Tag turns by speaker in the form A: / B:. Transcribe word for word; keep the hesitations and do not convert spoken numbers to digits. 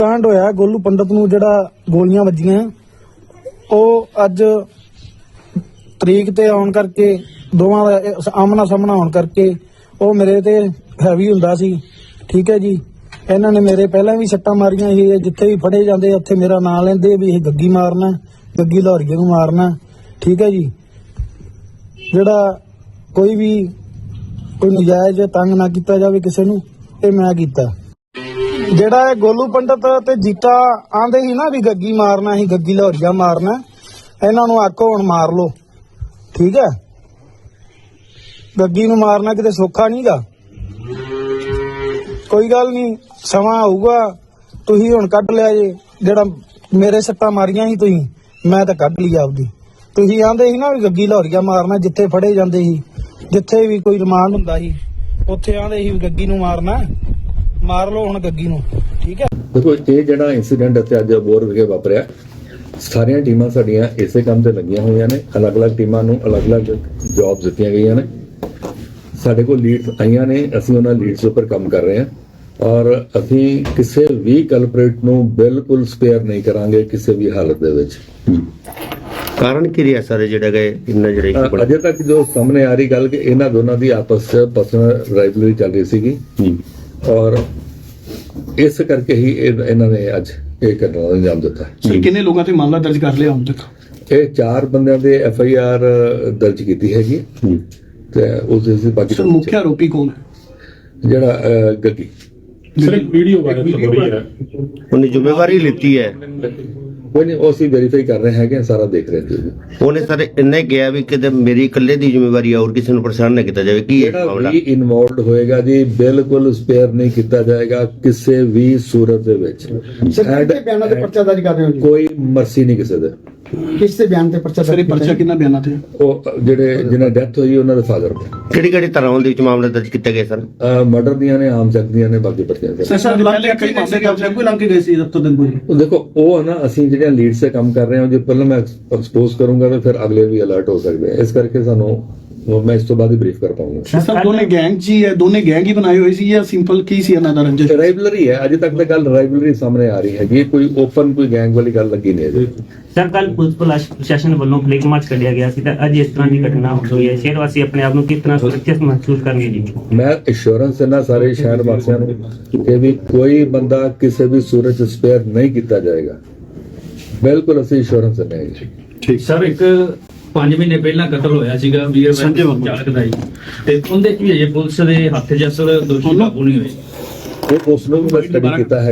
A: ਕਾਂਡ ਹੋਇਆ ਗੋਲੂ ਪੰਡਤ ਨੂੰ ਜਿਹੜਾ ਗੋਲੀਆਂ ਵੱਜੀਆਂ ਉਹ ਅੱਜ ਤਰੀਕ ਤੇ ਆਉਣ ਕਰਕੇ ਦੋਵਾਂ ਦਾ ਆਮਣਾ ਸਾਹਮਣਾ ਹੋਣ ਕਰਕੇ ਉਹ ਮੇਰੇ ਤੇ ਹੈਵੀ ਹੁੰਦਾ ਸੀ। ਠੀਕ ਹੈ ਜੀ, ਇਹਨਾਂ ਨੇ ਮੇਰੇ ਪਹਿਲਾਂ ਵੀ ਸੱਟਾਂ ਮਾਰੀਆਂ ਸੀ। ਜਿੱਥੇ ਵੀ ਫੜੇ ਜਾਂਦੇ ਉੱਥੇ ਮੇਰਾ ਨਾਂ ਲੈਂਦੇ ਵੀ ਇਹ ਗੱਗੀ ਮਾਰਨਾ, ਗੱਗੀ ਲਾਹੌਰੀਏ ਨੂੰ ਮਾਰਨਾ। ਠੀਕ ਹੈ ਜੀ, ਜਿਹੜਾ ਕੋਈ ਵੀ ਕੋਈ ਨਜਾਇਜ਼ ਤੰਗ ਨਾ ਕੀਤਾ ਜਾਵੇ ਕਿਸੇ ਨੂੰ, ਇਹ ਮੈਂ ਕੀਤਾ। ਜਿਹੜਾ ਇਹ ਗੋਲੂ ਪੰਡਤ ਤੇ ਜੀਤਾ ਆਂਦੇ ਸੀ ਨਾ ਵੀ ਗੱਗੀ ਮਾਰਨਾ ਸੀ, ਗੱਗੀ ਲਾਹੌਰੀਆ ਮਾਰਨਾ, ਇਹਨਾਂ ਨੂੰ ਆਖੋ ਹੁਣ ਮਾਰ ਲੋ। ਠੀਕ ਹੈ, ਗੱਗੀ ਨੂੰ ਮਾਰਨਾ ਕਿਤੇ ਸੌਖਾ ਨਹੀਂਗਾ। ਕੋਈ ਗੱਲ ਨਹੀਂ, ਸਮਾਂ ਆਊਗਾ, ਤੁਸੀਂ ਹੁਣ ਕੱਢ ਲਿਆ ਜੇ। ਜਿਹੜਾ ਮੇਰੇ ਸੱਟਾਂ ਮਾਰੀਆਂ ਸੀ ਤੁਸੀਂ, ਮੈਂ ਤਾਂ ਕੱਢ ਲਈ ਆਪਦੀ। ਤੁਸੀਂ ਆਂਦੇ ਸੀ ਨਾ ਵੀ ਗੱਗੀ ਲਾਹੌਰੀਆ ਮਾਰਨਾ, ਜਿੱਥੇ ਫੜੇ ਜਾਂਦੇ ਸੀ, ਜਿੱਥੇ ਵੀ ਕੋਈ ਰਿਮਾਂਡ ਹੁੰਦਾ ਸੀ ਉੱਥੇ ਆਂਦੇ ਸੀ ਵੀ ਗੱਗੀ ਨੂੰ ਮਾਰਨਾ, ਮਾਰ ਲਓ ਹੁਣ ਗੱਗੀ ਨੂੰ। ਠੀਕ ਹੈ,
B: ਦੇਖੋ ਇਹ ਜਿਹੜਾ ਇਨਸੀਡੈਂਟ ਇੱਥੇ ਅੱਜ ਅਬੋਹਰ ਵਿਖੇ ਵਾਪਰਿਆ, ਸਾਰੀਆਂ ਟੀਮਾਂ ਸਾਡੀਆਂ ਇਸੇ ਕੰਮ ਤੇ ਲੱਗੀਆਂ ਹੋਈਆਂ ਨੇ। ਅਲੱਗ-ਅਲੱਗ ਟੀਮਾਂ ਨੂੰ ਅਲੱਗ-ਅਲੱਗ ਜੌਬਸ ਦਿੱਤੀਆਂ ਗਈਆਂ ਨੇ। ਸਾਡੇ ਕੋਲ ਲੀਡਸ ਆਈਆਂ ਨੇ, ਅਸੀਂ ਉਹਨਾਂ ਲੀਡਸ ਉੱਪਰ ਕੰਮ ਕਰ ਰਹੇ ਹਾਂ ਔਰ ਅਸੀਂ ਕਿਸੇ ਵੀ ਕਲਪਰੇਟ ਨੂੰ ਬਿਲਕੁਲ ਸਪੇਅਰ ਨਹੀਂ ਕਰਾਂਗੇ ਕਿਸੇ ਵੀ ਹਾਲਤ ਦੇ ਵਿੱਚ।
C: ਕਾਰਨ ਕੀ ਰਿਹਾ ਸਰ ਜਿਹੜਾ ਗਏ ਇੰਨਾ ਜਿਹੜਾ
B: ਅਜੇ ਤੱਕ ਜੋ ਸਾਹਮਣੇ ਆ ਰਹੀ ਗੱਲ ਕਿ ਇਹਨਾਂ ਦੋਨਾਂ ਦੀ ਆਪਸ ਚ ਪਰਸਨਲ ਰਾਈਵਲਰੀ ਚੱਲ ਰਹੀ ਸੀਗੀ ਔਰ ਇਸ ਕਰਕੇ ਹੀ ਇਹ- ਇਹਨਾਂ ਨੇ ਅੱਜ ਇਹ ਘਟਨਾ ਦਾ ਅੰਜਾਮ ਦਿੱਤਾ।
D: ਸਰ ਕਿੰਨੇ ਲੋਕਾਂ ਤੇ ਮਾਮਲਾ ਦਰਜ ਕਰ ਲਿਆ ਹੁਣ ਤੱਕ?
B: ਇਹ ਚਾਰ ਬੰਦਿਆਂ ਦੇ ਐਫ ਆਈ ਆਰ ਦਰਜ ਕੀਤੀ ਹੈਗੀ ਤੇ ਉਸ ਦੇ ਬਾਕੀ
D: ਸਰ ਮੁੱਖ ਆਰੋਪੀ ਕੌਣ ਹੈ?
B: ਜਿਹੜਾ ਅਹ, ਗੱਗੀ
E: ਸਰ ਇੱਕ ਵੀਡੀਓ ਵਾਇਰਲ ਹੋ ਰਹੀ ਹੈ,
C: ਉਹਨੇ ਜ਼ਿੰਮੇਵਾਰੀ ਲਿੱਤੀ ਹੈ।
B: ਕੋਈ ਨਹੀਂ, ਉਹ ਅਸੀਂ ਵੈਰੀਫਾਈ ਕਰ ਰਹੇ ਹੈਗੇ, ਸਾਰਾ ਦੇਖ ਰਹੇ ਹਾਂ।
C: ਉਹਨੇ ਸਰ ਇੰਨੇ ਕਿਹਾ ਵੀ ਕਿਤੇ ਮੇਰੀ ਇਕੱਲੇ ਦੀ ਜ਼ਿੰਮੇਵਾਰੀ ਹੈ, ਹੋਰ ਕਿਸੇ ਨੂੰ ਪਰੇਸ਼ਾਨ ਨਾ ਕੀਤਾ ਜਾਵੇ। ਕੀ ਹੈ
B: ਜਿਹੜਾ
C: ਮਾਮਲਾ?
B: ਵੀ ਇਨਵੋਲਵਡ ਹੋਏਗਾ ਜੀ ਬਿਲਕੁਲ ਸਪੇਅਰ ਨਹੀਂ ਕੀਤਾ ਜਾਏਗਾ ਕਿਸੇ ਵੀ ਸੂਰਤ ਦੇ ਵਿੱਚ।
F: ਸਰ ਕਿਹਦੇ ਬਿਆਨਾਂ ਤੇ ਪਰਚਾ ਦਰਜ ਕਰ ਰਹੇ ਹੋ ਜੀ?
B: ਕੋਈ ਮਰਸੀ ਨਹੀਂ ਕਿਸੇ ਦੇ।
F: ਕਿਸ ਦੇ ਬਿਆਨ ਤੇ ਪਰਚਾ
D: ਸਰ ਇਹ
F: ਦਰਜ
D: ਪਰਚਾ ਕਿੰਨਾ ਬਿਆਨਾਂ ਤੇ?
B: ਉਹ ਜਿਹੜੇ ਜਿਹਨਾਂ ਡੈਥ ਹੋਈ ਉਹਨਾਂ ਦੇ ਫਾਦਰ ਦੇ
C: ਕਿਹੜੀ ਕਿਹੜੀ ਤਰ੍ਹਾਂ ਦੇ ਵਿੱਚ ਮਾਮਲੇ ਦਰਜ ਕੀਤੇ ਗਏ ਸਰ?
B: ਮਰਡਰ ਦੀਆਂ ਨੇ, ਆਮ ਚੱਕ ਦੀਆਂ ਨੇ, ਬਾਕੀ ਪਰਚੀਆਂ ਦੇ।
D: ਸਰ ਸਰ ਪਹਿਲੇ ਕਈ ਮਾਮਲੇ ਕਬਜ਼ੇ ਕੋਈ ਲੰਘ ਕੇ ਗਏ ਸੀ ਦਫ਼ਤਰ ਦੇ ਕੋਈ?
B: ਉਹ ਦੇਖੋ ਉਹ ਹੈ ਨਾ, ਅਸੀਂ ਜਿਹੜੀਆਂ ਲੀਡ ਸੇ ਕੰਮ ਕਰ ਰਹੇ ਹਾਂ, ਜੇ ਪਹਿਲਾਂ ਮੈਂ ਐਕਸਪੋਜ਼ ਕਰੂੰਗਾ ਤਾਂ ਫਿਰ ਅਗਲੇ ਵੀ ਅਲਰਟ ਹੋ ਸਕਦੇ ਆ। ਇਸ ਕਰਕੇ ਸਾਨੂੰ ਮੈਂ ਇਸ ਤੋਂ ਬਾਅਦ ਹੀ ਬਰੀਫ ਕਰ ਪਾਉਂਗਾ।
D: ਸਰ ਦੋਨੇ ਗੈਂਗ ਜੀ ਹੈ, ਦੋਨੇ ਗੈਂਗ ਹੀ ਬਣਾਏ ਹੋਏ ਸੀ ਜਾਂ ਸਿੰਪਲ ਕੀ ਸੀ ਇਹਨਾਂ ਦਾ ਰੰਜਿਸ਼?
B: ਰਾਈਵਲਰੀ ਹੈ, ਅਜੇ ਤੱਕ ਤਾਂ ਗੱਲ ਰਾਈਵਲਰੀ ਸਾਹਮਣੇ ਆ ਰਹੀ ਹੈਗੀ, ਕੋਈ ਓਪਨ ਕੋਈ ਗੈਂਗ ਵਾਲੀ ਗੱਲ ਲੱਗੀ ਨਹੀਂ ਅਜੇ।
G: ਸਰ ਕੱਲ ਪੁਲਿਸ ਪ੍ਰਸ਼ਾਸਨ ਵੱਲੋਂ ਫਲੈਗ ਮਾਰਚ ਕੱਢਿਆ ਗਿਆ ਸੀ ਤਾਂ ਅੱਜ ਇਸ ਤਰ੍ਹਾਂ ਦੀ ਘਟਨਾ ਹੋਈ ਹੈ, ਸ਼ਹਿਰ ਵਾਸੀ ਆਪਣੇ ਆਪ ਨੂੰ ਕਿਸ ਤਰ੍ਹਾਂ ਸੁਰੱਖਿਅਤ ਮਹਿਸੂਸ ਕਰਨਗੇ ਜੀ?
B: ਮੈਂ ਇੰਸ਼ੋਰੈਂਸ ਦੇਣਾ ਸਾਰੇ ਸ਼ਹਿਰ ਵਾਸੀਆਂ ਨੂੰ ਕਿ ਵੀ ਕੋਈ ਬੰਦਾ ਕਿਸੇ ਵੀ ਸੂਰਤ ਚ ਸਪੇਅਰ ਨਹੀਂ ਕੀਤਾ ਜਾਏਗਾ। ਬਿਲਕੁਲ ਅਸੀਂ ਇੰਸ਼ੋਰੈਂਸ ਦਿੰਦੇ ਹਾਂ ਜੀ।
E: ਠੀਕ
H: ਸਰ ਇੱਕ ਪੰਜ ਮਹੀਨੇ ਪਹਿਲਾਂ ਕਤਲ ਹੋਇਆ ਸੀਗਾ ਵੀਰ
D: ਸੰਜੇ ਵਰਮਾ
H: ਚਾਲਕ ਦਾ ਜੀ, ਤੇ ਉਹਦੇ ਚ ਵੀ ਅਜੇ ਪੁਲਿਸ ਦੇ ਹੱਥ 'ਚ ਅਸਲ ਦੋਸ਼ੀ ਕਾਬੂ ਨਹੀਂ ਹੋਏ।
B: ਉਹ ਉਸ ਨੂੰ ਵੀ ਮੈਂ ਸਟੱਡੀ ਕੀਤਾ ਹੈ।